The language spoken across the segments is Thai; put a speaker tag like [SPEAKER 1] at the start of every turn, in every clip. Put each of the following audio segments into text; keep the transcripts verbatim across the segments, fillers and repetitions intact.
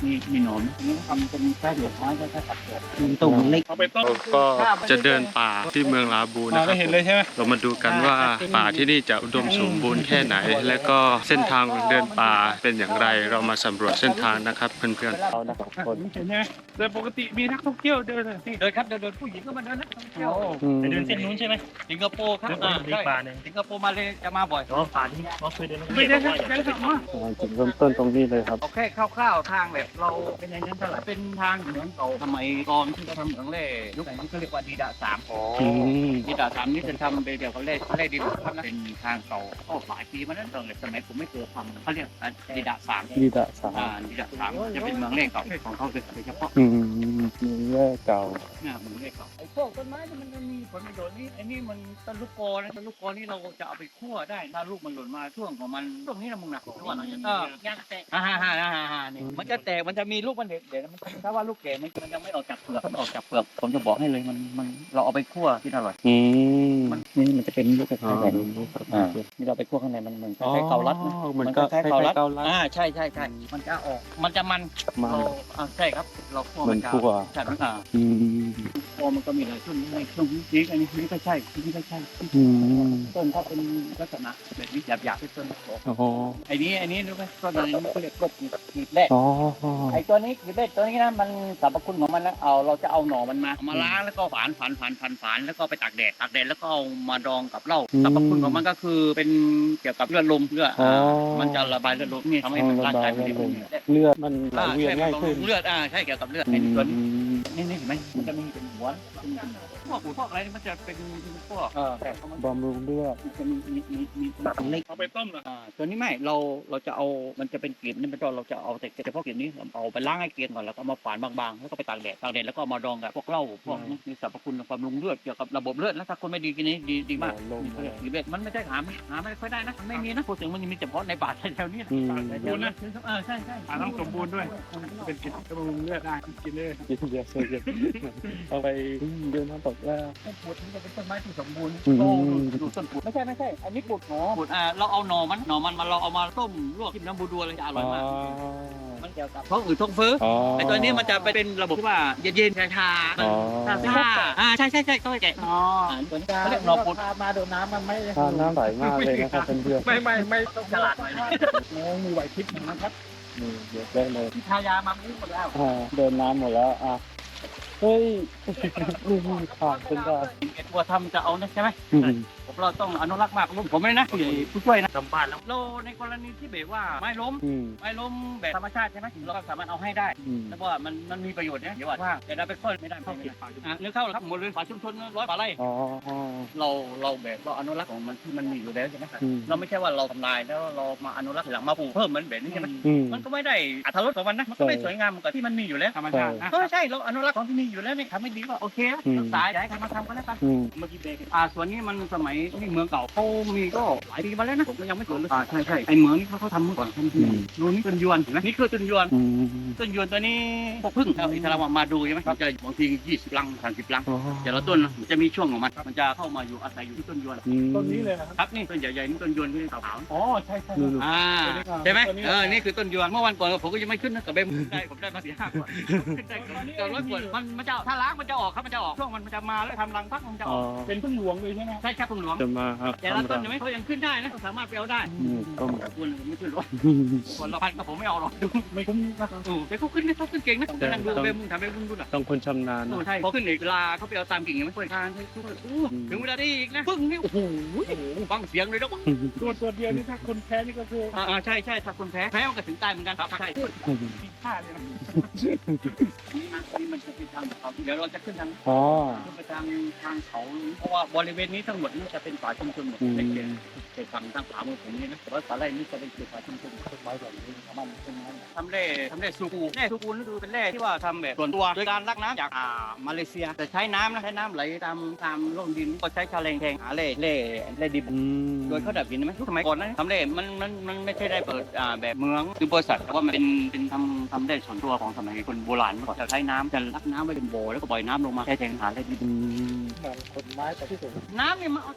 [SPEAKER 1] มีมีหนอนนี่ทำเป็นแค่เหลือไม้แค่ตัดเปลือก
[SPEAKER 2] ตุ่มเล็ก
[SPEAKER 1] เอาไปต้ม
[SPEAKER 3] ก็จะเดินป่าที่เมืองลาบูนะครับ
[SPEAKER 1] ได้เห็นเลยใช่ไหม
[SPEAKER 3] เรามาดูกันว่าป่าที่นี่จะอุดมสมบูรณ์แค่ไหน และก็เส้นทางเดินป่าเป็นอย่างไรเรามาสำรวจเส้นทางนะครับเพื่อนๆเรานะสองคน
[SPEAKER 1] เห็นไหมโดยปกติมีนักท่องเที่ยวเดินเลยนี่
[SPEAKER 2] เดินครับเดินเดินผู้หญิงก็มาเดินนะท่องเที่ยว
[SPEAKER 4] ไปเดินเส้นนู้นใช่ไหม
[SPEAKER 2] สิงคโปร์ครับ
[SPEAKER 4] เดิน
[SPEAKER 2] อ่า
[SPEAKER 4] ไปอีก
[SPEAKER 2] ใช่
[SPEAKER 4] ป่าหนึ่ง
[SPEAKER 2] สิงคโปร์มาเลยจะมาบ่อย
[SPEAKER 4] อ๋อป่าที่เขาเคยเดิน
[SPEAKER 1] ไม่ได้ครับได้ครับมา
[SPEAKER 3] จุดเริ่มต้นตรงนี้เลยครับ
[SPEAKER 2] เอาแค่คร่าวๆทางแบบเราเป็นอย่างนั้นเท่าไหร่เป็นทางเหมือนเก่าสมัยก่อนที่เขาทำเหมืองแร่ยุคไหนที่เขาเรียกว่าดีดาสาม
[SPEAKER 3] อืม
[SPEAKER 2] ดีดาสามนี่จะทำเป็นเดียวกับแร่แร่ดีบุกครับนะเป็นทางเก่าก็หลายปีมาแล้วตั้งแต่สมัยผมไม่เคยทำเขาเรียกดีดาสาม
[SPEAKER 3] ดีดะสา
[SPEAKER 2] อ่าดีดาสามจะเป็นเมืองแร่เก่าของเขาโดยเฉพาะ
[SPEAKER 3] อืมมีแร่เก่า
[SPEAKER 2] เนี่ยเมืองแร่เก่าไอ้พวกต้นไม้ที่มันมีผลประโยชน์นี่ไอ้นี่มันต้นลูกกอนะต้นลูกกอนี่เราจะเอาไปคั่วได้ถ้าลูกมันหล่นมาช่วงของมันช่วงนี้นะมึงนะช่วงไหนเออย่างแตกฮ่าฮ่าฮ่าฮ่าฮ่านี่มันจะแตกมันจะมีลูกมันเด็กเดี๋ยวมันถ้าว่าลูกแก่มันมันยังไม่ออกจากเปลือกมันออกจากเปลือกผมจะบอกให้เลยมันมันเราเอาไปคั่วที่อร่อย
[SPEAKER 3] อืม
[SPEAKER 2] มันนี่มันจะเป็นลูกคล้ายๆแบบนี้อ่านี่เราไปคั่วข้างในมันเหมือนค
[SPEAKER 3] อ๋อ
[SPEAKER 2] ล้ายๆเกาลัดนะ
[SPEAKER 3] มันก็
[SPEAKER 2] คล้ายๆเกาลัด
[SPEAKER 3] เกาลัด
[SPEAKER 2] อ่าใช่ใช่ใช่มันจะออกมันจะมัน
[SPEAKER 3] มัน
[SPEAKER 2] เราอ่าใช่ครับเราคั่ว
[SPEAKER 3] เหมือน
[SPEAKER 2] จะ
[SPEAKER 3] คั่ว
[SPEAKER 2] ใช่มันอ่า
[SPEAKER 3] อืม
[SPEAKER 2] พอมันก็มีหลายช่วงในช่วงนี้อันนี้นี่ก็ใช่นี่ก็ใช่
[SPEAKER 3] อืม
[SPEAKER 2] ต้นถ้าเป็นลักษณะแบบนี้หยาบๆเป็นต้นโข
[SPEAKER 3] โอ้โห
[SPEAKER 2] ไอ้นี้ไอ้นี้รู้ไหมต้นอะไรนี่เขาเรียกกบกีบแรก
[SPEAKER 3] อ๋อ
[SPEAKER 2] ไอ้ตัวนี้กีบแรกตัวนี้นะมันสรรพคุณของมันนะเอาเราจะเอาหน่อมันมาเอามาล้างแล้วก็ฝานฝานฝานฝานฝานแล้วก็ไปตากแดดตากแดดแล้วก็เอามาดองกับเหล้าสรรพคุณของมันก็คือเป็นเกี่ยวกับเลือดลมเลือดอ่ามันจะระบายเลือดลมนี่ทำให้มันร่างกายมันดีขึ้น
[SPEAKER 3] เลือดมันไหลเวียนง่ายขึ้น
[SPEAKER 2] เลือดอ่าใช่เกี่ยวกับเลือด
[SPEAKER 3] อื
[SPEAKER 2] ไอ้ตัว
[SPEAKER 3] ม
[SPEAKER 2] นี้ นี่นี่เห็นไหมมันจะมีเป็นหัวพวกพวกอะไรนี่มันจะเป็นพวกเออแต่เขามัน
[SPEAKER 3] บำรุงเลือด
[SPEAKER 2] จะมีมีมีมีเล็ก
[SPEAKER 1] เอาไปต้มเหรอ
[SPEAKER 2] อ่าตัวนี้ไม่เราเราจะเอามันจะเป็นกลีบนี่มันจะเราจะเอาแต่เฉพาะกลีบนี้เอาไปล้างให้เกลียนก่อนแล้วก็มาฝานบางๆแล้วก็ไปตากแดดตากแดดแล้วก็เอามาดองกับพวกเหล้าพวกนี้มีสรรพคุณความบำรุงเลือดเกี่ยวกับระบบเลือดแล้วถ้าคนไม่ดีกินนี้ดีดีมาก
[SPEAKER 3] ลง
[SPEAKER 2] นี่เขาเรียกกลีบเบ็ดมันไม่ใช่หาไม่หาไม่ค่อยได้นะมันไม่มีนะพูดถึงมันมีเฉพาะในป่าแถวๆนี้นะ
[SPEAKER 3] อืม
[SPEAKER 2] แถวๆนี้เออใช่ใช่
[SPEAKER 1] อ่าต้องสมบูรณ์ด้วย เป็นกินกระบุงเลือดได้กินเลย
[SPEAKER 3] กินเยอะเลยเอาไปเดินน้ำตกแล้ว
[SPEAKER 2] ต้นปุดนี่จะเป็นต้นไม้ที่สมบูรณ์
[SPEAKER 3] อืม
[SPEAKER 2] โตดูดูต้นปุดไม่ใช่ไม่ใช่อันนี้ปุดหนอปุดอ่าเราเอาหน่อมันหน่อมันมาเราเอามาต้มลวกกินน้ำบูดัวเลยจะอร่อยมากมันเกี่ยวกับท้องอืดท้องเฟ้อ
[SPEAKER 3] อ๋อ
[SPEAKER 2] ไอตัวนี้มันจะเป็นระบบที่ว่าเย็นๆชาๆ
[SPEAKER 3] อ๋อ
[SPEAKER 2] ชาชาอ่าใช่ใช่ใช่ก็แกะอ๋อตัวนี้เขาเรียกหน่อปุดมาโดนน้ำมันไม่
[SPEAKER 3] ทานน้ำไหลมากเลยนะครับเพื่อน
[SPEAKER 1] ไม่ไม่ไม่ต้อง
[SPEAKER 2] ฉลาดหน่อยนะ
[SPEAKER 1] โอ้มีไหวพริบนะครับ
[SPEAKER 3] ๆนี่เยอะได้เลย
[SPEAKER 2] ที่ทายามามุ้งหมดแล้ว
[SPEAKER 3] อ่าเดินน้ำหมดแล้วอ่ะเฮ้ยนี่ขาดเป็นได้
[SPEAKER 2] เอ็ดตัวทำจะเอานะใช่ไหม
[SPEAKER 3] อืม
[SPEAKER 2] ผมเราต้องอนุรักษ์มากผมไม่นะผู้ใหญ่ผู้ช่วยนะ
[SPEAKER 4] ทำบ้านแล้ว
[SPEAKER 2] เราในกรณีที่แบบว่าไม้ล้ม
[SPEAKER 3] อืม
[SPEAKER 2] ไม้ล้มแบบธรรมชาติใช่ไหมเราก็สามารถเอาให้ได้
[SPEAKER 3] อืม
[SPEAKER 2] แล้วว่ามันมันมีประโยชน์เนี่ยเดี๋ยวว่าแต่เราไปค่อยไม่ได้ไม่ได้อ่ะเนื้อเข้าครับหมดเลยป่าชุมชนร้อยป่าไร่
[SPEAKER 3] อ๋ออ๋อ
[SPEAKER 2] เราเราแบบเราอนุรักษ์ของมันที่มันมีอยู่แล้วใช่ไหม
[SPEAKER 3] อืม
[SPEAKER 2] เราไม่ใช่ว่าเราทำลายแล้วเรามาอนุรักษ์ทีหลังมาปลูกเพิ่มมันแบบนี้ใช่ไหม
[SPEAKER 3] อืม
[SPEAKER 2] มันก็ไม่ได้อรรถรสของมันนะมันก็ไม่สวยงามเหมือนกับที่มันมีอยู่แล้ว
[SPEAKER 1] ธรรมชาตินะ
[SPEAKER 2] เออใช่เราอนุรักษ์ของที่มีอยู่แล้วนี่ทำไม่ดีก็โอเคนะรักษาอย่าให้ใครมาทำก็แล้วกัน
[SPEAKER 3] อืม
[SPEAKER 2] เมื่อกี้เบรกอ่าส่วนนี้มันสมัยนี่เมืองเก่าเขามีก็หลายปีมาแล้วนะผมก็ยังไม่สนเลยอ่าใช่ใช่ไอเมืองนี่เขาเขาทำเมื่อก่อนทำที่ดูนี่ต้นยวนเห็นไหมนี่คือต้นยวน
[SPEAKER 3] อืม
[SPEAKER 2] ต้นยวนตัวนี้พวกพึ่งเอาอิสลามมาดูใช่ไหมมันจะบางทียี่สิบลังสามสิบลัง
[SPEAKER 3] อ๋อ
[SPEAKER 2] แต่ละต้นนะมันจะมีช่วงของมันมันจะเข้ามาอยู่อาศัยอยู่ที่ต้นยวน
[SPEAKER 3] อืม
[SPEAKER 1] ต้นนี้เลยนะครับ
[SPEAKER 2] ครับนี่ต้นใหญ่ๆนี่ต้นยวนที่ขาวๆ
[SPEAKER 1] อ๋อใช่ใช่
[SPEAKER 3] นู่น
[SPEAKER 2] อ่า
[SPEAKER 1] ตัวนี้ครับ
[SPEAKER 2] ใช่ไหม
[SPEAKER 1] ตัวนี้
[SPEAKER 2] เออนี่คือต้นยวนเมื่อวันก่อนผมก็ยังไม่ขึ้นนะแต่เบมได้ผมได้มาสี่ห้าขวดขึ้นได้เกินร้อยขวดมันมันจะถ้าล้างมันจะออกครับมันจะออกช่วงมันจะมาแล้วทำรังพักมันจะอ
[SPEAKER 3] อ๋อ
[SPEAKER 2] อก
[SPEAKER 1] เป็นพึ่งหลวงเลยใช่ไหม
[SPEAKER 2] ใช่ครับพึ่งหลวง
[SPEAKER 3] จะมาครับ
[SPEAKER 2] แต่ละต้นยังไม่เขายังขึ้นได้นะสามารถไปเอาได้
[SPEAKER 3] อืมต้ม
[SPEAKER 2] คุณไม่ขึ้นหรอกคนละพันกับผมไม่เอาหรอก
[SPEAKER 1] ไม่คุ้มนะครับ
[SPEAKER 2] โอ้แต่เขาขึ้นนะเขาขึ้นเก่งนะนั่งดูเบมมึงทำเบมมึงดูน่ะ
[SPEAKER 3] ต้องคนชำนาญ
[SPEAKER 2] โอ้
[SPEAKER 3] นะ
[SPEAKER 2] ใช่พอขึ้นอีกเวลาเขาไปเอาตามกิ่งยังไม่ค่อยทานใช่ทุกคนอู้ถึงเวลาได้อีกนะพึ่งนี่โอ้โหฟังเสียงเลยนะ
[SPEAKER 1] ตัวตัวเดียวนี่ถ้าคนแพ้นี่ก็คือ
[SPEAKER 2] อ่าใช่ใช่ถ้าคนแพ้แพ้มันก็ถึงตายเหมือนกันครับใช่
[SPEAKER 1] มีค่าเลยนะ
[SPEAKER 2] นี่มันจะเป็นทางเขาเดี๋ยวเราจะขึ้นทาง
[SPEAKER 3] อ๋อ
[SPEAKER 2] ขึ้นไปทางทางเขาเพราะว่าบริเวณนี้ทั้งหมดนี่จะเป็นป่าชุมชนหมด
[SPEAKER 3] อืม
[SPEAKER 2] ในเขตเขตฝั่งทางขวามือผมนี่นะแต่ว่าป่าไร่นี่จะเป็นเขตป่าชุมชนต้นไม้แบบนี้ประมาณต้นไม้ทำแร่ทำแร่ซูกูแร่ซูกูนี่คือเป็นแร่ที่ว่าทำแบบส่วนตัวโดยการลักน้ำจากอ่ามาเลเซียแต่ใช้น้ำนะใช้น้ำไหลตามตามร่องดินก็ใช้ชาแรงแทงหาแร่แร่แร่ดิบ
[SPEAKER 3] อืม
[SPEAKER 2] โดยเขาดับดินไหมสมัยก่อนนะทำเร่มันมันมันไม่ใช่ได้เปิดอ่าแบบเมืองหรือบริษัทแต่ว่ามันเป็นเป็นทำทำได้ส่วนตัวของสมัยคนโบราณเมื่อก่อนจะใช้น้ำจะลักน้ำไว้เป็นโบแล้วก็ปล่อยน้ำลงมาแค่แทงหาได้ดิน
[SPEAKER 3] อืม
[SPEAKER 1] เหมือนคนไม้แต่ที่สุด
[SPEAKER 2] น้ำนี่มันเอาจาก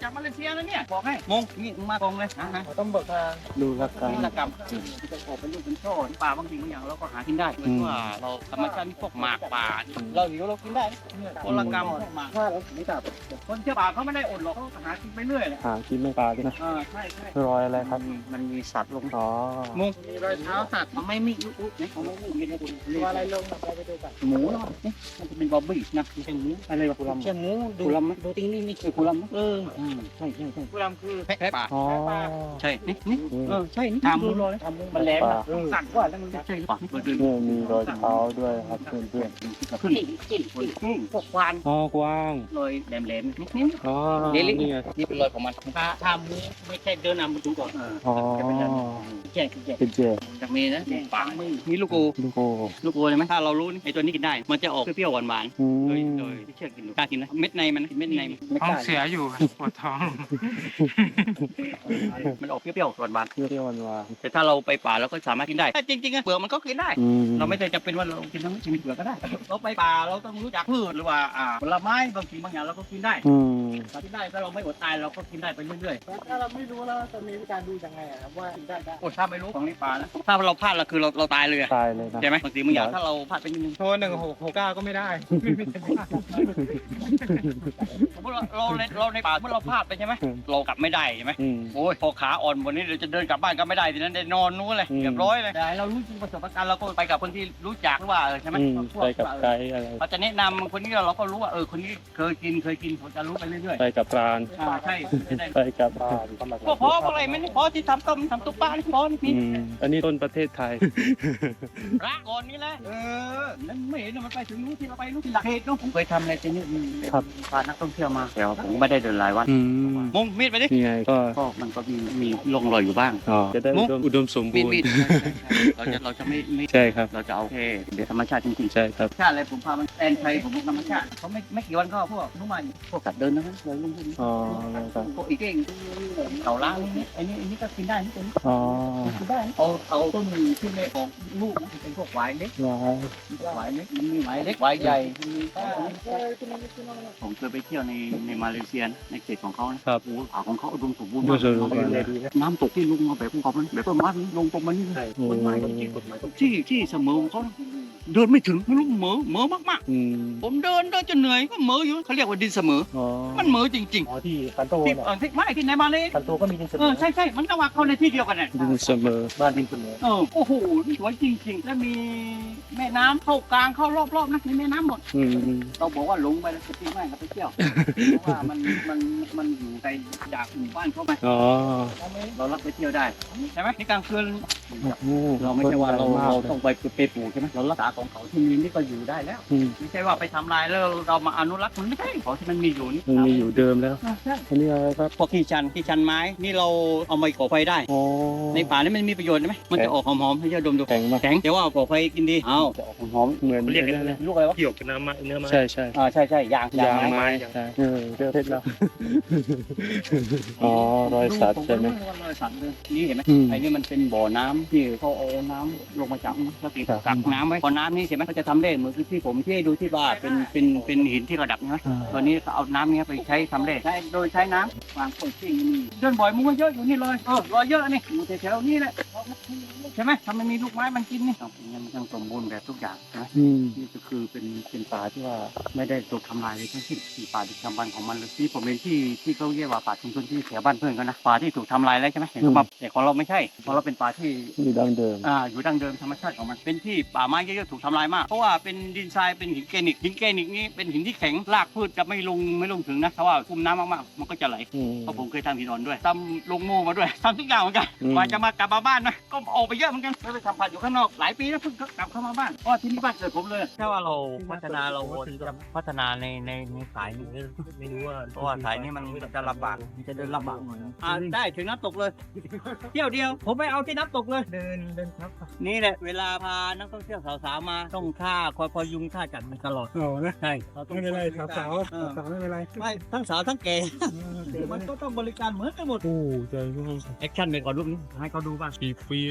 [SPEAKER 2] จากมาเลเซียนะเนี่ยบอกให้มงนี่มึงมากองเลยนะฮะ
[SPEAKER 4] ต้องเบิกทาง
[SPEAKER 3] ดูละกัน
[SPEAKER 2] นี่ละกรรมที่จะออกเป็นลูกเป็นช่อป่าบางสิ่งบางอย่างเราก็หากินได้เหมือนว่าเราธรรมชาตินี่พวกหมากป่าเราหิวเรากินได้คนละกรรมพวกหมาก
[SPEAKER 1] ถ้าเราไม่ตัด
[SPEAKER 2] คนเที่ยวป่าเขาไม่ได้อดหรอกเขาก็หากินไปเรื่อยเลย
[SPEAKER 3] หากินไม่ปลาด้วยนะ
[SPEAKER 2] อ่าใช่ใช่
[SPEAKER 3] รอยอะไรครับ
[SPEAKER 2] มันมีสัตว์ลง
[SPEAKER 3] อ๋อ
[SPEAKER 2] มงมีรอยเท้าสัตว์มันไม่มีอุ๊บเนี่ยเขาไม่มีมีนะคุณ
[SPEAKER 1] ตัวอะไรลงเราไปดูกัน
[SPEAKER 2] หมูเนาะนี่มันจะเป็นบอบบี้นะเชียงหมูอะไรวะกุลำ
[SPEAKER 1] เชียงหมูดู
[SPEAKER 2] กุลำไหมดูติ้งนี่นี่คือกุลำไหม
[SPEAKER 1] เออ
[SPEAKER 2] อืมใช่ใช่ใช่
[SPEAKER 1] กุลำคือ
[SPEAKER 2] แพะป่า
[SPEAKER 3] อ๋อ
[SPEAKER 2] ใช่นี่นี่เออใช่นี่
[SPEAKER 1] ทำ
[SPEAKER 2] ดู
[SPEAKER 1] ดู
[SPEAKER 2] ร
[SPEAKER 1] ร
[SPEAKER 2] อ
[SPEAKER 1] อย ยทำ
[SPEAKER 2] มันแหลม
[SPEAKER 3] ปลา
[SPEAKER 1] สั่นกว่าแล้วมัน
[SPEAKER 2] ใช่ป่ะเปิดดู
[SPEAKER 3] เนี่ยมีรอยเท้าด้วยครับเพื่อน
[SPEAKER 2] ขึ้นขึ้นขึ้นพวกควาน
[SPEAKER 3] ๆอ๋อกว้าง
[SPEAKER 2] รอยแหลมๆนิดนึง
[SPEAKER 3] อ๋อ
[SPEAKER 2] เดลิ
[SPEAKER 3] นี่ไง
[SPEAKER 2] นี่เป็นรอยของมันถ้าถ้ามูไม่ใช่เดินนำมันดูก่อนเออ
[SPEAKER 3] อ๋อ
[SPEAKER 2] แก่แก่
[SPEAKER 3] เป็นเจ
[SPEAKER 2] จากมีนะป่านี่ลูกกู
[SPEAKER 3] ลูกโอ้
[SPEAKER 2] ลูกกูเลยไหมถ้าเรารู้ไอ้ตัวนี้กินได้ มันจะออกเปรี้ยวๆหวาน
[SPEAKER 3] อื
[SPEAKER 2] ๆโดย
[SPEAKER 3] ม
[SPEAKER 2] โดยที่เชื่อกินดูกล้ากินนะเม็ดในมันเม็ดในมัน
[SPEAKER 1] ท้องเสียอยู่ปวดท้อง
[SPEAKER 2] มันออกเปรี้ยวๆหวาน
[SPEAKER 3] เปรี้ยวๆหวาน
[SPEAKER 2] ๆแต่ถ้าเราไปป่าเราก็สามารถกินได้แต่จริงๆอะเปลือกมันก็กินได้
[SPEAKER 3] ๆอืม
[SPEAKER 2] เราไม่ได้จำเป็นว่าเรากินทั้งชีวิตเปลือกก็ได้ เราไปป่าเราต้องรู้จักพืชหรือว่าอ่าผลไม้บางสิ่งบางอย่างเราก็กินได้
[SPEAKER 3] อืม
[SPEAKER 2] เรากินได้ถ้าเราไม่อดตายเราก็กินได้ไปเรื่อย
[SPEAKER 1] ถ้าเราไม่รู้แล้วจะมีวิธีการดูยังไงครับว่าได้ได้
[SPEAKER 2] ๆโอ้ถ้าไม่รู้ของในป่านะถ้าเราพลาดเราคือเราเราตายเลยอะ
[SPEAKER 3] ตายเลยนะ
[SPEAKER 2] ใช่ไหมบางสิ่งบางอย่างถ้าเราพลาดไปนิดนึง
[SPEAKER 1] โทรหนึ่งหกหกเก้าก็ไม่ได้
[SPEAKER 2] สมมติเราเราในเราในป่าเมื่อเราพลาดไปใช่ไหมเรากลับไม่ได้ใช่ไหม
[SPEAKER 3] อืม
[SPEAKER 2] โอ้ยพอขาอ่อนวันนี้เราจะเดินกลับบ้านก็ไม่ได้ทีนั้นได้นอนนู้นเลย
[SPEAKER 3] อืม
[SPEAKER 2] เรียบร้อยเลยแต่เรารู้จริงประสบการณ์เราก็ไปกับคนที่รู้จักหรือว่าเออใช่ไหม
[SPEAKER 3] อืม
[SPEAKER 2] พว
[SPEAKER 3] ไปกับ
[SPEAKER 2] ที่ว่า
[SPEAKER 3] ไก
[SPEAKER 2] เออ
[SPEAKER 3] ด์อะไร
[SPEAKER 2] เขาจะแนะนำคนนี้เราก็รู้ว่าเออคนนี้เคยกินเคยกินผมจะรู้ไปเรื่อย
[SPEAKER 3] ไปกับปราณ
[SPEAKER 2] ๆอ่าใช่จะได้
[SPEAKER 3] ไปกับปราณ
[SPEAKER 2] พวกพอพวกอะไรไม่นี่พอที่ทำต้มทำตุ๊กปลานี่พอนี่
[SPEAKER 3] อืมอันนี้ต้นประเทศไทย
[SPEAKER 2] รักก่อนนี่แหละเออนั่นไม่เห็นมันไปถึงนู้นที่เราไปนู้นที่หลักเหตุนู้นผมเคยทำอะไรที่นี่
[SPEAKER 3] ครับ
[SPEAKER 2] พานักท่องเที่ยวมาแต่ว่าผมไม่ได้เดินหลายวัน
[SPEAKER 3] อืม
[SPEAKER 2] มงมีดไปดิ
[SPEAKER 3] นี่ไงก็
[SPEAKER 2] ก็มันก็มีมีร่องรอยอยู่บ้าง
[SPEAKER 3] อ๋อจะได้อุดมอุดมสม
[SPEAKER 2] มี
[SPEAKER 3] บู
[SPEAKER 2] ด
[SPEAKER 3] ร
[SPEAKER 2] มีด
[SPEAKER 3] ณ์
[SPEAKER 2] เราจะเราจะไม่ไม่
[SPEAKER 3] ใช่ครับ
[SPEAKER 2] เราจะเอาแค่เดี๋ยวธรรมชาติจริงๆ
[SPEAKER 3] ใช่ครับ
[SPEAKER 2] ชาติอะไรผมพามันแตนไทยผมธรรมชาติเขาไม่ไม่กี่วันก็พวกนุ่มมันพวกสัตว์เดินนะเลยลุงพวกนี้
[SPEAKER 3] อ๋อครับ
[SPEAKER 2] พวกอีเก่งเต่าล้างนี่ไอ้นี่ไอ้นี่ก็กินได้นี่ตัวนี้
[SPEAKER 3] อ๋อ
[SPEAKER 2] กินได้เอาเอาต้นที่ไม่ออกลูกนะเป็นพวกหวายเล็ก
[SPEAKER 3] ว้าว
[SPEAKER 2] หวายเล็กมันมีหวายเล็กหวายใหญ่มีผมเคยไปเที่ยวในในมาเลเซียในเขตของเขานะครับ โอ้โหป่าของเขาอุดมสมบูรณ์
[SPEAKER 3] อุด
[SPEAKER 2] มาม ก
[SPEAKER 3] สมบูรณ์
[SPEAKER 2] น้ำตกที่ลงมาแบบของเขาแบบต้นไม้ลงตรงมานี่เลย
[SPEAKER 3] โอ้
[SPEAKER 2] ต้นไม้ต้นที่ต้นไม้ต้นที่ที่เสมอของเขาเดินไม่ถึงไม่รู้เหมอเหมอมาก
[SPEAKER 3] อืม
[SPEAKER 2] ๆผมเดินเดินจนเหนื่อยก็เหมออยู่เขาเรียกว่าดินเสมอ
[SPEAKER 3] อ๋อ
[SPEAKER 2] มันเหมอจริง
[SPEAKER 4] อ๋อที่คันโต
[SPEAKER 2] ๆที่
[SPEAKER 4] เนี่ย
[SPEAKER 2] เออที่ไม่ที่ไหนมาเลย
[SPEAKER 4] คันโตก็มีดินเสม
[SPEAKER 2] เออ
[SPEAKER 4] อ
[SPEAKER 2] ใช่ใช่มันก็ว่าเข้าในที่เดียวกันน่ะ
[SPEAKER 3] ดินเสมอ
[SPEAKER 4] บ้านดินเสมอ
[SPEAKER 2] เออโอ้โหสวยจริงๆ แล้วมีแม่น้ำเข้ากลางเข้ารอบๆนะมีแม่น้ำหมด
[SPEAKER 3] อืมอืม
[SPEAKER 2] เราบอกว่าหลงไปแล้วจะตีไม่กับไปเที่ยวเพราะว่ามันมันมันอยู่ไกลจากหมู่บ้านเขาไหม
[SPEAKER 3] อ๋อ
[SPEAKER 2] เรารับไปเที่ยวได้ใช่ไหมในกลางคืน
[SPEAKER 3] โอ้
[SPEAKER 2] เราไม่ใช่ว่าเรา
[SPEAKER 3] มก
[SPEAKER 2] เรา
[SPEAKER 3] ลย
[SPEAKER 2] ต้องไปไปปลูกใช่ไหมเรารักษาของเขาที่มีนี่ก็อยู่ได้แล้ว
[SPEAKER 3] อืม
[SPEAKER 2] ไม่ใช่ว่าไปทำลายแล้วเรามาอนุรักษ์มันไม่ใช่ของที่มันมีอยู่นี่
[SPEAKER 3] มันมีอยู่เดิมแล้ว
[SPEAKER 2] อ่าใช่
[SPEAKER 3] อันนี้อะไรครับ
[SPEAKER 2] พวกที่ชันที่ชันไม้นี่เราเอามาก่อไฟได้
[SPEAKER 3] อ๋อ
[SPEAKER 2] ในป่านี่มันมีประโยชน์ไหมมันจะออกหอมๆให้เจ้าดมดู
[SPEAKER 3] แข็งมาก
[SPEAKER 2] แข็งแต่ว่าก่อไฟกินดีเอ้าจะออกหอม
[SPEAKER 3] เหมือน
[SPEAKER 4] เรียกกันเลยลูกอะไรวะเกี่ยวกับน้ำไม้เนื้อไม้
[SPEAKER 3] ใช่ใช่
[SPEAKER 2] ๆอ่าใช่ใช่ยาง
[SPEAKER 3] ยาง
[SPEAKER 2] ไม้
[SPEAKER 3] ไม้ใช่เออเจอเพชรแล้ว อ๋อรอยสัตว์ใช่ไหม
[SPEAKER 2] รอยสัตว์เลยนี่เห็นไหม
[SPEAKER 3] อืม
[SPEAKER 2] ไอ้นี่มันเป็นบ่อน้ำที่เขาเอาน้ำลงมาจากแล้วติด
[SPEAKER 3] ครับ
[SPEAKER 2] กักน้ำไว้พอน้ำนี่เห็นไหมเขาจะทำเลขเหมือนที่ผมที่ให้ดูที่ว่าเป็นเป็นเป็นหินที่ระดับใช่ไหม
[SPEAKER 3] อ่า
[SPEAKER 2] ตัวนี้ก็เอาน้ำเนี้ยไปใช้ทำเลขใช้โดยใช้น้ำวางคนที่นี่เดินบ่อยมุ้งเยอะอยู่นี่เลยเออรอยเยอะนี่อยู่แถวๆนี้แหละใช่ไหมถ้ามันมีลูกไม้มันกินนี่ต้องมันต้องสมบูรณ์แบบทุกอย่างใช่ไหม
[SPEAKER 3] อืม
[SPEAKER 2] นี่ก็คือเป็นเป็นป่าที่ว่าไม่ได้ถูกทำลายเลยทั้งสิ้นเป็นป่าดึกดำบรรพ์ของมันเลยที่ผมเห็นที่ที่เขาเรียกว่าป่าชุมชนที่แถวบ้านเพื่อนกันนะป่าที่ถูกทำลายแล้วใช่ไหมเห็นเขามาแต่ของเราไม่ใช่ของเราเป็นป่าที่
[SPEAKER 3] อยู่ดั้งเดิม
[SPEAKER 2] อ่าอยู่ดั้งเดิมธรรมชาติของมันเป็นที่ป่าไม้เยอะๆถูกทำลายมากเพราะว่าเป็นดินทรายเป็นหินแกรนิตหินแกรนิตนี่เป็นหินที่แข็งรากพืชจะไม่ลงไม่ลงถึงนะเพราะว่าคุมน้ำมากๆมันก็จะไหล
[SPEAKER 3] อืม
[SPEAKER 2] เพราะผมเคยทำหินอ่อนด้วยทำลงโม่มาด้วยทำทุกอย่างเหมือนกัน
[SPEAKER 3] อืม
[SPEAKER 2] กว่าจะมากลับมาบ้านนะก็ออกไปเยอะเหมือนกันแล้วไปทำผัดอยู่ข้างนอกหลายปีแล้วเพิ่งกลับเข้ามาบ้านเพราะว่าที่นี่บ้านเกิดผมเลยถ้าว่าเราพัฒนาเราจะพัฒนาในในในสายนี้
[SPEAKER 4] ไม่รู้ว่า
[SPEAKER 2] เพราะว่าสายนี้มันจะลำบากมันจะเดินลำบากหน่อยอ่าได้ถึงน้ำตกเลย เที่ยวเดียว ผมไปเอาที่น้ำตกเลย
[SPEAKER 4] เดินเดินครับ
[SPEAKER 2] นี่แหละเวลาพานักท่องเที่ยวสาวๆมาต้องค่าคอยพยุงค่าจัดมันตลอด
[SPEAKER 1] โอ้นะ
[SPEAKER 2] ใช่เราต้อง
[SPEAKER 1] ไม่เป็นไรสาวสาว
[SPEAKER 2] เออ
[SPEAKER 1] สาวไม่เป็นไร
[SPEAKER 2] ไม่ทั้งสาวทั้งแก่มันก็ต้องบริการเหมือนกันหมด
[SPEAKER 3] โอ้ใจมาก
[SPEAKER 2] แอคชั่นไปก่อนรูปนี้ให้เขาดูบ้าง
[SPEAKER 3] กี่ปีเนี่ย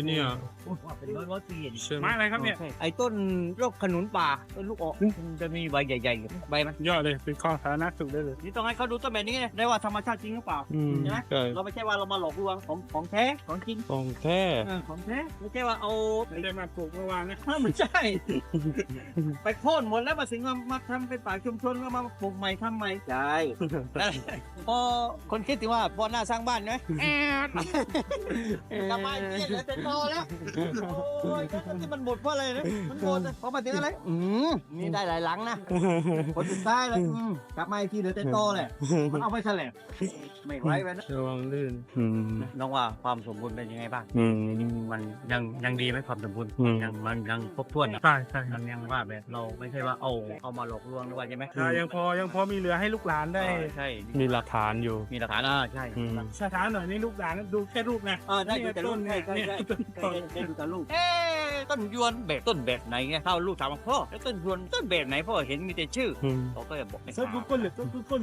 [SPEAKER 2] ว่าเป็นร้อยร้อยปีนี่
[SPEAKER 3] ใช่ไหม
[SPEAKER 1] ไม้อะไรครับเนี่ย
[SPEAKER 2] ไอ้ต้นโรคขนุนป่าต้นลูกออกมันจะมีใบใหญ่ๆใบมัน
[SPEAKER 1] ยอดเลยเป็นข้อสาธารณสุขได้เลย
[SPEAKER 2] นี่ต้องให้เขาดูต้นแบบนี้ได้ว่าธรรมชาติจริงหรือเปล่า
[SPEAKER 3] อืม
[SPEAKER 2] ใช่ไหม
[SPEAKER 3] ใช่
[SPEAKER 2] เราไม่ใช่ว่าเรามาหลอกลวงของของแท้ของจริง
[SPEAKER 3] ของแท้
[SPEAKER 2] เออของแท้ไม่ใช่ว่าเอา
[SPEAKER 1] ไม่ได้มาปลูกเมื่อวานนะ
[SPEAKER 2] ไม่ใช่ ไปโค่นหมดแล้วมาสิงมามาทำเป็นป่าชุมชนก็มาปลูกใหม่ทำใหม่ใช่พอคนคิดถึงว่าพอหน้าสร้างบ้านไหมแอบกลับมาเยี่ยนแล้วเป็นตอแล้วโอ้ยก็ที่มันหมดเพราะอะไรนะมันหมดเพราะมาถึงอะไรอืมนี่ได้หลายหลังนะคนสุดท้ายแล้วอืมกลับมาอีกทีเหลือแต่ตอแหละมันเอาไปแฉลบไม่ไหวไปนะ
[SPEAKER 3] ระวังลื่นอืม
[SPEAKER 2] น้องว่าความสมบูรณ์เป็นยังไงบ้าง
[SPEAKER 3] อืม
[SPEAKER 2] มันยังยังดีไหมความสมบูรณ์
[SPEAKER 3] อืม
[SPEAKER 2] ยังมันยังครบถ้วนอะ
[SPEAKER 1] ใช่ใช่
[SPEAKER 2] มันยังว่าแบบเราไม่ใช่ว่าเอาเอามาหลอกลวงหรือว่าใช่ไหม
[SPEAKER 1] ใช่ยังพอยังพอมีเหลือให้ลูกหลานได้
[SPEAKER 2] เออใช่
[SPEAKER 3] มีหลักฐานอยู่
[SPEAKER 2] มีหลักฐานอ่าใช่
[SPEAKER 3] อืม
[SPEAKER 1] ช้าๆหน่อยนี่ลูกหลานดูแค่รูปนะ
[SPEAKER 2] เออได้ดูแต่ลูก
[SPEAKER 1] เนี่
[SPEAKER 2] ใช่
[SPEAKER 1] ย
[SPEAKER 2] ใช่
[SPEAKER 1] ต้น
[SPEAKER 2] ใช่
[SPEAKER 1] เนี่ยต้น
[SPEAKER 2] ได้ดูแต่ลูกเอ๊ะต้นยวนแบบต้นแบบไหนไงถ้าลูกถามว่าพ่อแล้วต้นยวนต้นแบบไหนพ่อเห็นมีแต่ชื่อ
[SPEAKER 3] อืม
[SPEAKER 2] เขาก็จะบอกไม่
[SPEAKER 1] เซิร์ชกูเกิลหรือเซิร์ชกูเกิล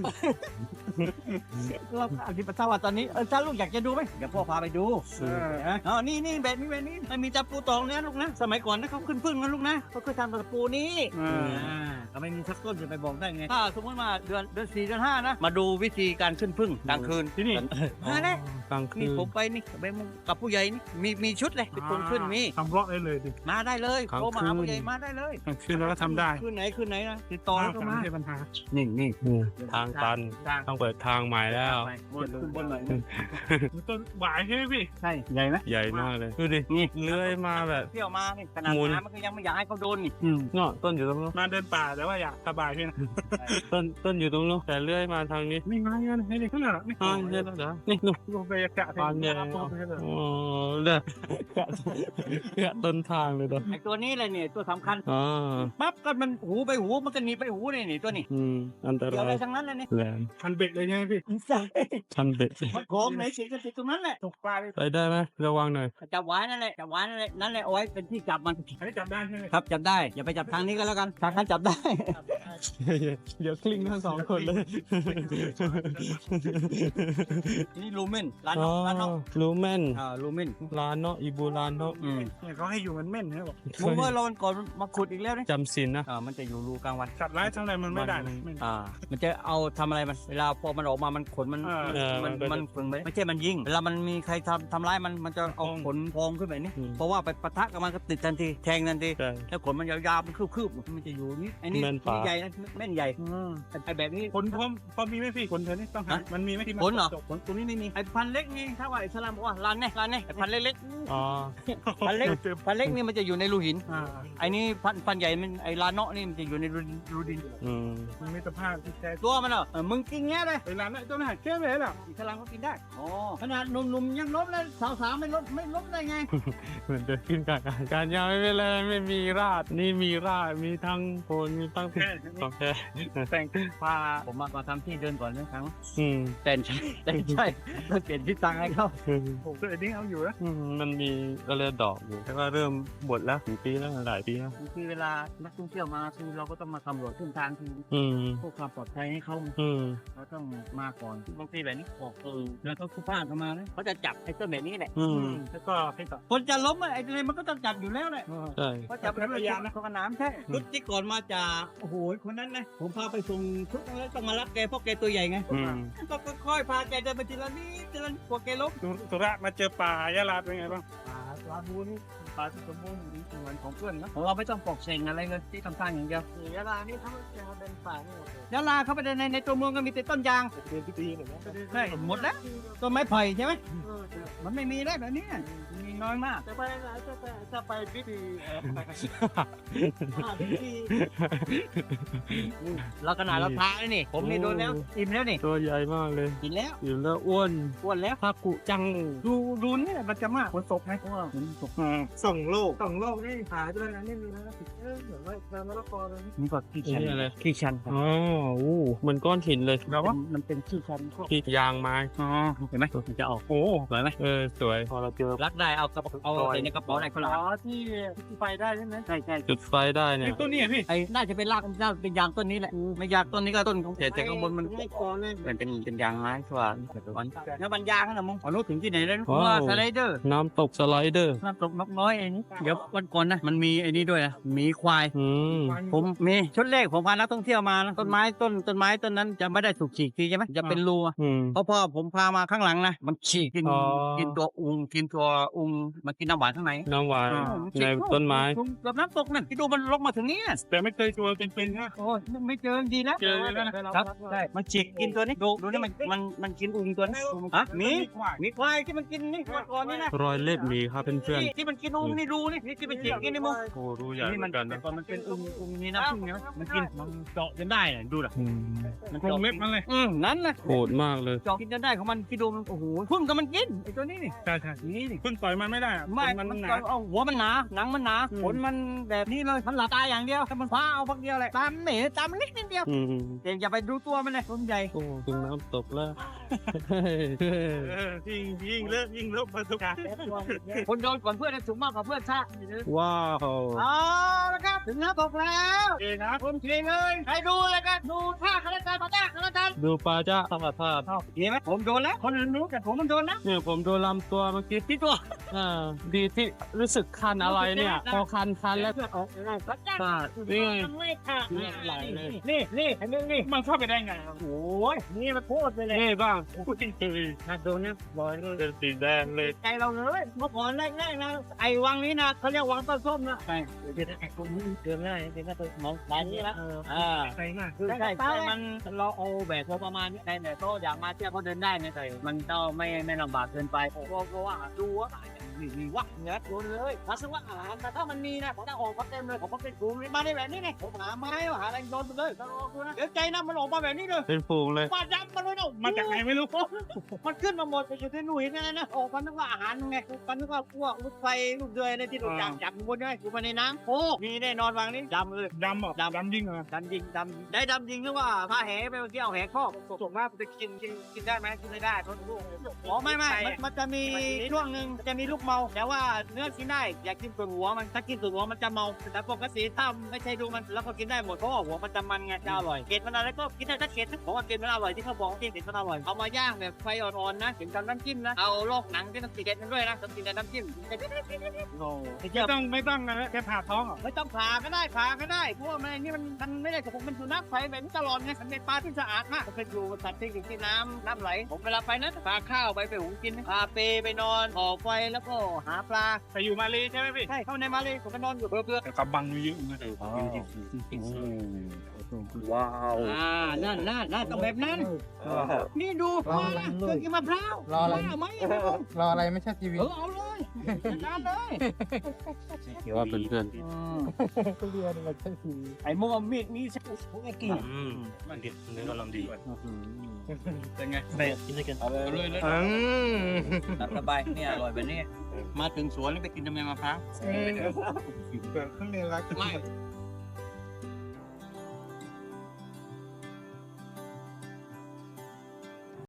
[SPEAKER 2] เราอธิบายว่าตอนนี้เออถ้าลูกอยากจะดูไหมเดี๋ยวพ่อพาไปดู
[SPEAKER 1] เออ
[SPEAKER 2] นะอ๋อนี่นี่แบบนี้แบบนี้มันมีตะปูตองเนี่ยลูกนะสมัยก่อนนะเขาขึ้นพึ่งนะลูกนะเขาเคยทำตะปูนี้
[SPEAKER 1] อ่า
[SPEAKER 2] อ่าก็ไม่มีสักต้นจะไปบอกได้ไง ถ้าสมมติว่าเดือนเดือนสี่เดือนห้านะ มาดูวิธีการขึ้นพึ่งกลางคืน
[SPEAKER 1] ที่นี่
[SPEAKER 2] มาเลย
[SPEAKER 3] กลางคื
[SPEAKER 2] นี่
[SPEAKER 3] น
[SPEAKER 2] ผมไปนี่ไปกับผู้ใหญ่นี่มีมีชุดเลยเป็นคนขึ้นมี
[SPEAKER 1] ทำบล็อกได้เลยดิ
[SPEAKER 2] มาได้เลยโทรมาหาผู้ใหญ่มาได้เลย
[SPEAKER 1] คืนเราก็ทำได้
[SPEAKER 2] ขึ้นไหนขึ้นไหนนะติดต่อแล้วก็มา
[SPEAKER 1] ไม่ใช่ปัญหา
[SPEAKER 2] นี่นี่
[SPEAKER 3] อืมทางตัน
[SPEAKER 2] ทาง
[SPEAKER 3] ต้องเปิดทางใหม่แล้ว
[SPEAKER 2] บนขึ้นบนหน่อย
[SPEAKER 1] ต้นหวายใช่ไหมพี่
[SPEAKER 2] ใช่ใหญ่ไหม
[SPEAKER 3] ใหญ่มากเลย ดูดิ
[SPEAKER 2] นี่
[SPEAKER 3] เลื้อยมาแบบ
[SPEAKER 2] เที่ยวมานี่ขนาด
[SPEAKER 3] หมุน
[SPEAKER 2] น้ำมันก็ยังไม่อยากให้เขาโดนนี่
[SPEAKER 3] เนาะต้นอยู่ตรงนู้น
[SPEAKER 1] มาเดินป่าแต่ว่าอยากสบายพี่นะ
[SPEAKER 3] ต้นต้นอยู่ตรงนู้นแต่เลื้อยมาทางนี้
[SPEAKER 1] นี่ไงกันให้ดิขึ้นหรอนี่
[SPEAKER 3] อ่าเดี๋ยวเดี๋ยวนี่นู่น
[SPEAKER 1] ลงไปกะ
[SPEAKER 3] ปานใหญ่
[SPEAKER 1] โอ้
[SPEAKER 3] โอ้เด้อแกะแกะต้นทางเลยตัว
[SPEAKER 2] ไอตัวนี้เลยเนี่ยตัวสำคัญ
[SPEAKER 3] อ่า
[SPEAKER 2] ปั๊บก็มันหูไปหูมันก็หนีไปหูนี่นี่ตัวนี้
[SPEAKER 3] อืมอันต
[SPEAKER 2] เกี่ยว
[SPEAKER 3] รา
[SPEAKER 2] อะไร
[SPEAKER 3] ย
[SPEAKER 2] ทั้งนั้นเลยนี่
[SPEAKER 3] แหลม
[SPEAKER 1] พันเบ็ดเลยใช่ไหมพี่
[SPEAKER 2] ใช่
[SPEAKER 3] ชันเบ็ด
[SPEAKER 2] มันของไหนสิก็ติดตรงนั้นแหละ
[SPEAKER 1] ตกปลาเลย
[SPEAKER 3] ไปได้ไหมระวังหน่อย
[SPEAKER 2] จับไว้นั่นแหละจับไว้นั่นแหละนั่นแหละเอาไว้เป็นที่จับมัน
[SPEAKER 1] อันนี้จำได้ใช่ไหม
[SPEAKER 2] ครับจับได้อย่าไปจับทางนี้ก็แล้วกันทางนั้นจับได้
[SPEAKER 3] เดี๋ยวคลิงทั้งสองคนเลย
[SPEAKER 2] นี่ลูเมนร้านน
[SPEAKER 3] อ๋
[SPEAKER 2] อ
[SPEAKER 3] อก
[SPEAKER 2] ร้านนอก
[SPEAKER 3] รู้แม่น
[SPEAKER 2] อ่าลูเมน
[SPEAKER 3] ร้านเนาะอีบูร้านเนาะ
[SPEAKER 2] อืม
[SPEAKER 1] เนี่ยเขาให้อยู่มันเม่นนะบอก
[SPEAKER 2] ผมว่าเราวันก่อนมาขุดอีกแล้วนี่
[SPEAKER 3] จำศีลนะ
[SPEAKER 2] อ่ามันจะอยู่รูกลางวัน
[SPEAKER 1] สัตว์ร้ายทั้งอะไรมันไม่ได้เลยเม่น
[SPEAKER 2] อ่า มันจะเอาทำอะไรมันเวลาพอมันออกมามันขนมัน
[SPEAKER 1] อ่า
[SPEAKER 3] เออ
[SPEAKER 2] มัน
[SPEAKER 3] มันก็
[SPEAKER 2] มันฝึงไปไม่ใช่มันยิงเวลามันมีใครทำทำร้ายมันมันจะเอาขนพองขึ้นแบบนี้
[SPEAKER 3] อืม
[SPEAKER 2] เพราะว่าไปปะทะกับมันก็ติดทันทีแทงทันที
[SPEAKER 3] ใช่
[SPEAKER 2] แล้วขนมันยาวๆมันคืบๆมันจะอยู่นี่ไอ้นี่
[SPEAKER 3] แม่นปลา
[SPEAKER 2] ใหญ่นะแม่นใหญ่ไอ้แบบนี้
[SPEAKER 1] ผลพร้อมพอมีไหมพี่ผลเธอนี่ต้องหา
[SPEAKER 2] ฮะ
[SPEAKER 1] มันมีไหมที่
[SPEAKER 2] ผลเหรอผลตัวนี้ไม่มีไอ้พันเล็กนี่ถ้าว่าอิสลามบอกว่าร้านเนี่ยร้านเนี่ยไอ้พันเล็ก
[SPEAKER 3] อ๋อ
[SPEAKER 2] ๆพันเล็กพันเล็กนี่มันจะอยู่ในรูหิน
[SPEAKER 1] อ่า
[SPEAKER 2] ไอ้นี่พันพันใหญ่มันไอ้ลานเนาะนี่มันจะอยู่ในรูดินรูดิน
[SPEAKER 3] อืม
[SPEAKER 1] มันมีสภาพที่แท้
[SPEAKER 2] ตัวมันเหรอเออมึงกินแง่เลย
[SPEAKER 1] เวลานั้นเจ้าหน้าแก้เลยหรอ
[SPEAKER 2] อิสลามก็กินได้อ๋อขนาดหนุ่มๆยังลบเลยสาวๆไม่ลบไม่ลบได้ไง
[SPEAKER 3] เหมือนเดินขึ้นการการการยาวไม่เป็นไรไม่มีราดนี่มีราดมีทั้งโคนมีทั้ง
[SPEAKER 1] แค่
[SPEAKER 3] โอเค
[SPEAKER 1] แต่ง
[SPEAKER 2] พาผมมามาทำที่เดินก่อนนะครั้ง
[SPEAKER 3] อืม
[SPEAKER 2] แต่ใช่แต่ใช่ต้องเปลี่ยนที่ตังให้เขา
[SPEAKER 1] ผมก็เอ็ดดิ้งเอาอยู่นะ
[SPEAKER 3] อืมมันมีอะไรดอกอยู่แล้วก็เริ่มบดแล้วกี่ปีแล้วหลายปีแล้ว
[SPEAKER 2] คือเวลานักท่องเที่ยวมาคือเราก็ต้องมาสำรวจเส้นทางคือ
[SPEAKER 3] อืม
[SPEAKER 2] เพื่อความปลอดภัยให้เขา
[SPEAKER 3] อืม
[SPEAKER 2] เราต้องมาก่อนบางทีแบบนี้ออกเออแล้วก็คู่พลาดเข้ามาเลยเขาจะจับไอ้ต้นแบบนี้แหละ
[SPEAKER 3] อืม
[SPEAKER 1] แล้วก็ให้ต่อ
[SPEAKER 2] คนจะล้มอะไอ้อะไรมันก็ต้องจับอยู่แล้วแหละ
[SPEAKER 3] ใช่
[SPEAKER 2] เขาจับเป็นระยะนะเขากระน้ำใช่รถที่ก่อนมาจากโอ้โหคนนั้นนะผมพาไปส่งทุกครั้งแล้วต้องมารับแกเพราะแกตัวใหญ่ไง
[SPEAKER 3] อืม
[SPEAKER 2] ก็ค่อยๆพาแกเดินไปทีละนิดทีละนิดกว่าแกล้ม
[SPEAKER 1] สุสุระมาเจอป่ายะลาเป็นไงบ้าง
[SPEAKER 2] ป่าปลาบูนี่ปลาที่สมบูรณ์เหมือนของเพื่อนนะเราไม่ต้องปลอกเซ็งอะไรเลยที่ทำทางอย่างเดียวยะลานี่เขาจะเป็นป่านี่ยะลาเข้าไปในในตัวเมืองก็มีแต่ต้นยาง
[SPEAKER 1] เป็นพิธีเหมือนกัน
[SPEAKER 2] ใช่หมดแล้วต้นไม้ไผ่ใช่ไหมมันไม่มีแล้วแบบนี้มีน้อยมาก
[SPEAKER 1] จะไปไหนจะไปจะไปพิธี
[SPEAKER 2] เราขนาดเราทาเลยนี่ผมนี่โดนแล้วอิ่มแล้วนี่
[SPEAKER 3] ตัวใหญ่มากเลย
[SPEAKER 2] กินแล้ว
[SPEAKER 3] อยู่แล้วอ้วน
[SPEAKER 2] อ้วนแล้ว
[SPEAKER 3] ภาคกุจัง
[SPEAKER 1] ดูดูนี่มันจะมากคนศพไง
[SPEAKER 2] อ้วนผมตก
[SPEAKER 1] ส่งโลกส่งโลกนี่หายไปแล้วนะนี่มีแล้วเออเหมือนว่าน้ำมะละกอเลย
[SPEAKER 2] นี่ก็ขี้ชัน
[SPEAKER 3] นี่อะไร
[SPEAKER 2] ขี้ชันครับ
[SPEAKER 3] อ๋ออู้เหมือนก้อนหินเลย
[SPEAKER 1] เราว่า
[SPEAKER 2] มันเป็นขี้ชันพวก
[SPEAKER 3] ที่ยางไม้
[SPEAKER 1] อ๋อ
[SPEAKER 2] เห็นไหมมันจะออก
[SPEAKER 1] โอ้
[SPEAKER 2] สวยไหม
[SPEAKER 3] เออสวยพอเราเจอ
[SPEAKER 2] รักได้เอาเอาใส่ในกระเป๋าอะไรคนละ
[SPEAKER 1] อ๋อที่ที่ไฟได้ใช่ไหม
[SPEAKER 2] ใช่ใช่
[SPEAKER 3] จุดไฟได้เนี่ย
[SPEAKER 1] ต้นนี้พี่
[SPEAKER 2] ไอ้น่าจะเป็นรากน่าจะเป็นยางต้นนี้แหละไม่ยางต้นนี้ก็ต้นของแต่แต่ข้างบนมัน
[SPEAKER 1] ไม่กอนเลย
[SPEAKER 2] เป็นเป็นเป็นยางไม้ชัวร์แล้วมันยางนะมึงอ๋อรู้ถึงที่ไหนแล้วว่า
[SPEAKER 3] ว้าว
[SPEAKER 2] สไลเดอร์
[SPEAKER 3] น้ำตกสไลเดอร์
[SPEAKER 2] น้ำตกนกน้อยไอ้นี่เดี๋ยววันก่อนนะมันมีไอ้นี่ด้วยนะหมีควาย
[SPEAKER 3] อืม
[SPEAKER 2] ผมมีชุดแรกผมพานักท่องเที่ยวมานะต้นไม้ต้นต้นไม้ต้นนั้นจะไม่ได้ถูกฉีกทีใช่ไหมจะเป็นรูอะ
[SPEAKER 3] อืม
[SPEAKER 2] เพราะพอผมพามาข้างหลังนะมันฉีกกิน
[SPEAKER 3] อ๋อ
[SPEAKER 2] กินตัวอุงกินตัวอุงมันกินน้ำหวานข้างใน
[SPEAKER 3] น้ำหวาน
[SPEAKER 2] อ๋อ
[SPEAKER 3] ในต้นไม้
[SPEAKER 2] แบบน้ำตกนั่นที่ดูมันลงมาถึงนี้
[SPEAKER 1] แต่ไม่เคยตัวเป็นๆนะ
[SPEAKER 2] โอ้ยไม่เจอดีแล้ว
[SPEAKER 1] เจอแล้วนะครับ
[SPEAKER 2] ใช่มันฉีกกินตัวนี้ดูดูนี่มันมันมันกินอุงตัวนี้ฮะหมีหมีควายที่มันกินนี่วันก่อนนี่นะ
[SPEAKER 3] รอยเล็บหมีครับเพื่อน
[SPEAKER 2] นี่ที่มันกินอุงนี่ดูนี่นี่ที่มันฉีกกินนี่มึง
[SPEAKER 3] ๆโอ้รู้ใหญ่
[SPEAKER 2] นี่
[SPEAKER 3] เหมื
[SPEAKER 2] มั
[SPEAKER 3] อน นกันนะ
[SPEAKER 2] ก่อนมันเป็นอุงอุงนี่น้ำผึ้งเนี่ยมันกินมันเจาะจนได้น่ะดูน่ะ
[SPEAKER 3] อืม
[SPEAKER 2] มัน
[SPEAKER 1] กรงเล็บมันเลย
[SPEAKER 2] อืมนั่นแหละ
[SPEAKER 3] โหดมากเลย
[SPEAKER 2] เจาะกินจนได้ของมันที่ดูมันโอ้โหพึ่งกับมันกินไอ้ตัวนี้นี่
[SPEAKER 1] ใช่ใช่
[SPEAKER 2] นี่นี่
[SPEAKER 1] เพิ่งต่อยมันไม่ได้อะ
[SPEAKER 2] ไม่
[SPEAKER 1] มัน
[SPEAKER 2] มัน
[SPEAKER 1] หนา
[SPEAKER 2] ก็เอาหัวมันหนาหนังมันหนา
[SPEAKER 1] อืม
[SPEAKER 2] ขนมันแบบนี้เลยมันหลับตาอย่างเดียวถ้ามันฟ้าเอาพักเดียวเลยตามเหม่ตามมันเล็กนิดเดียว
[SPEAKER 3] อืม
[SPEAKER 2] เดี๋ยวอย่าไปดูตัวมันเลยตัวมันใหญ่
[SPEAKER 3] โอ้ถึงน้ำตกแล้ว
[SPEAKER 1] เออยิ่งยิ่งเลิกยิ่งเลิกประสบการณ์
[SPEAKER 2] คนโดนก่อนเพื่อนสูงมากกว่าเพื่อนซะ
[SPEAKER 3] ว้าว
[SPEAKER 2] เอาละครับถึงน้ำตกแล้ว
[SPEAKER 1] เองครับ
[SPEAKER 2] ผมเก่งเลยใครดูเลยกันดูท่าคณะการปะทะคณะการ
[SPEAKER 3] ดูปลาจ้าธรรมชาติ
[SPEAKER 2] เห็นไหมผมโดนแล้วคนอื่นรู้แต่ผมมันโดนนะ
[SPEAKER 3] เนี่ยผมโดนลำตัวเมื่อกี้
[SPEAKER 2] ที่ตัว
[SPEAKER 3] อ่าดีที่รู้สึกคันอะไรเนี่ย พอคันคันแล้ว
[SPEAKER 2] เพื่อนออกได้ปะทะ
[SPEAKER 3] ปาดนี่ไง
[SPEAKER 2] ไม่ค่ะ
[SPEAKER 3] เลือดไหลเลย
[SPEAKER 2] นี่นี่เห็นไหมนี่
[SPEAKER 1] มันเข้าไปได้ไงครับ
[SPEAKER 2] โอ้ยนี่มันโคตรไปเลย
[SPEAKER 3] นี่บ้าง
[SPEAKER 1] พูดจริง
[SPEAKER 2] น่าโดนนะบอยเลย
[SPEAKER 3] เป็นสีแดงเลย
[SPEAKER 2] ใจเราเลยเมื่อก่อนแรกๆนะไอ้วังนี้นะเขาเรียกวังต้นส้มนะใช่เดี๋ยวไอ้คนนี้เดินไม่ได้เดินไม่ได้มองตายนี่แล้วอ่า
[SPEAKER 1] ๆไปมาก
[SPEAKER 2] ใช่ใช่ใช่มันเราเอาแบบพอประมาณนี้ในแต่โตอยากมาเที่ยวเขาเดินได้นะแต่มันต้องไม่ไม่ลำบากเกินไปเพราะเพราะว่าดูว่านี่นี่วักเนื้อโดนเลยถ้าซื้อว่าอาหารแต่ถ้ามันมีนะผมจะออกมาเต็มเลยผมมาเป็นกลุ่มมาในแบบนี้ไงผมหาไม้หาอะไรโดนไปเลยเดี๋ยวใจนะมันออกมาแบบนี้เลย
[SPEAKER 3] เป็นฝูงเลย
[SPEAKER 2] ฟาดยับมันเลยเนาะ
[SPEAKER 1] มาจากไหนไม่รู้
[SPEAKER 2] มันขึ้นมาหมดไปอยู่ที่หนุ่ยนั่นนะออกมานึกว่าอาหารไงมันนึกว่าพวกลูกไฟลูกเดือยในที่ถูกจับจับบนด้วยอยู่มาในน้ำโอ้มีแน่นอนวางนี้ดำเลย
[SPEAKER 1] ดำเหรอ
[SPEAKER 2] ดำ
[SPEAKER 1] ดำยิ่งเหรอ
[SPEAKER 2] ดำยิงดำได้ดำยิงหรือว่าพาแหไปเที่ยวแหคอก
[SPEAKER 1] ส่วนมากจะกินกินกินได้ไหมกินไม่ได้เพราะลูก
[SPEAKER 2] อ๋อไม่ไม่มันมันจะมีช่วงหนึ่งจะมีลูกเมาแต่ว่าเนื้อกินได้อยากกินส่วนหัวมันถ้ากินส่วนหัวมันจะเมาแต่ปกติถ้าไม่ใช่ดูมันแล้วก็กินได้หมดเพราะว่าหัวมันจะมันไงจะอร่อยเกล็ดมันอะไรก็กินได้ถ้าเกล็ดเพราะว่าเกล็ดมันอร่อยที่เขาบอกที่เกล็ดมันอร่อยเอามาย่างแบบไฟอ่อนๆนะถึงกับน้ำจิ้มนะเอาโลกหนังที่ต้องติดเกล็ดมันด้วยนะต้องกินแต่น้ำจิ้มโอ้
[SPEAKER 1] ไม่ต้องไม่ต้องนะแค่ผ่าท้องเหรอ
[SPEAKER 2] ไม่ต้องผ่าก็ได้ผ่าก็ได้เพราะว่ามันอันนี่มันมันไม่ได้ผมเป็นสุนัขไฟแบบนี้ตลอดไงมันเป็นปลาที่สะอาดมากผมเป็นอยู่สัตว์ที่อยู่ที่น้ำน้ำไหลผมเวลาไปนะพาข้าวไปไปหุงกินพาเปไปนอนก่อไฟแล้วก็หาปลา
[SPEAKER 1] ไปอยู่มาเลใช่ไหมพี่
[SPEAKER 2] ใช่เข้าในมาเลยผมก็นอนอยู่เพื่อ
[SPEAKER 1] แต่กับบังเยอะนะ
[SPEAKER 3] ว้าว
[SPEAKER 2] อ่านั่นนั่นนั่นต้องแบบนั้นนี่ดูมานะเครื่องกินมะพร้าว
[SPEAKER 5] รออะไร
[SPEAKER 2] ว่าไหม
[SPEAKER 5] รออะไรไม่ใช่ทีวี
[SPEAKER 2] เออเอาเลยนานเลย
[SPEAKER 3] เดี๋ยวว่าเพื่อน
[SPEAKER 5] ก็เรียนไม่ใช่ทีวี
[SPEAKER 2] ไอ้มัวมีดมีสักไอ้กี่
[SPEAKER 3] ๆอืมมันเด็ดเนื้อกำลังดี
[SPEAKER 2] เป็นไง
[SPEAKER 3] ไปกินด้วยกัน
[SPEAKER 2] เอาเลยเลยเลย
[SPEAKER 1] อืม
[SPEAKER 2] สบายเนี่ยอร่อยแบบนี้มาถึงสวนแล้วไปกินทำไมมะพร้าว
[SPEAKER 1] เปิดเครื่องเรียนรัก
[SPEAKER 2] ไม่